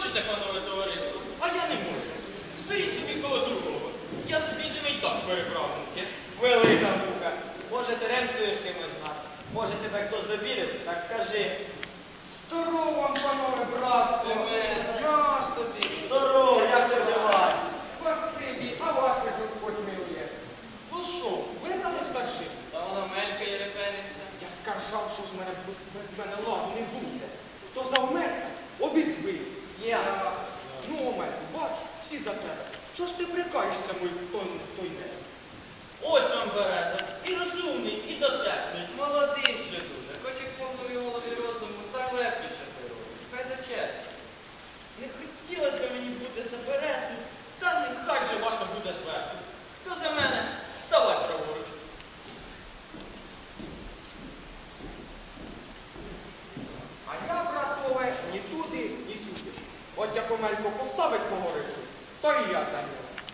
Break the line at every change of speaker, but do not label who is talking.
хочеться, панове товариство, а я не можу. Стоїть собі коло другого. Я собі і так переправленки.
Велика мука. Може, ти ремствуєш кимось з нас? Може, тебе хтось забідив? Так кажи.
Здорово вам, панове братство! Наш тобі!
Здорово, як же вживаєш?
Спасибі, а вас як Господь милує.
Ну що, вибрали старшин?
Та вона мелька і репениться.
Я скаржав, що ж мене без мене ладу не буде. То за Омелька обізвився.
Я.
Ну, Омельку, бач, всі за тебе. Чого ж ти прикаєшся, мой той не?
Ось вам береза. І розумний, і дотепний. Молодий ще дуже. Хоч і повному голові розуму, так легкіше природі. Хай за честь. Не хотілося б мені бути за березою, та нехай же ваша буде зверху. Хто за мене? Ставай праворуч.
А я, братове, ні туди, ні сюди. От як Омелько поставить мого речу, то і я за нього.